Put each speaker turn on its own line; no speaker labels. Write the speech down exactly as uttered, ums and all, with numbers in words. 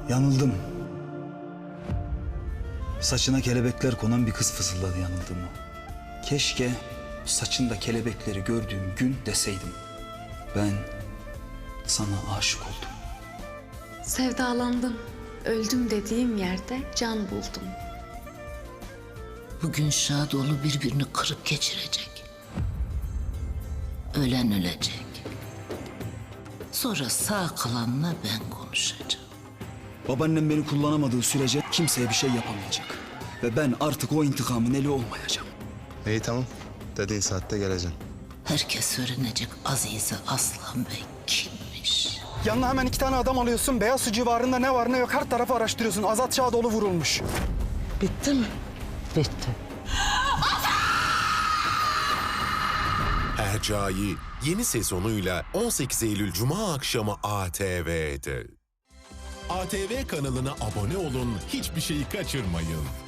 Yanıldım. Saçına kelebekler konan bir kız fısıldadı yanıldığımı. Keşke saçında kelebekleri gördüğüm gün deseydim. Ben sana aşık oldum.
Sevdalandım. Öldüm dediğim yerde can buldum.
Bugün Şadoğlu birbirini kırıp geçirecek. Ölen ölecek. Sonra sağ kalanla ben konuşacağım.
Babaannem beni kullanamadığı sürece kimseye bir şey yapamayacak. Ve ben artık o intikamın eli olmayacağım.
İyi tamam. Dediğin saatte geleceksin.
Herkes öğrenecek Azize Aslan Bey kimmiş.
Yanına hemen iki tane adam alıyorsun. Beyazsu civarında ne var ne yok her tarafı araştırıyorsun. Azat Şadoğlu vurulmuş.
Bitti mi? Bitti.
Hercai yeni sezonuyla on sekiz Eylül Cuma akşamı A T V'de. A T V kanalına abone olun, hiçbir şeyi kaçırmayın.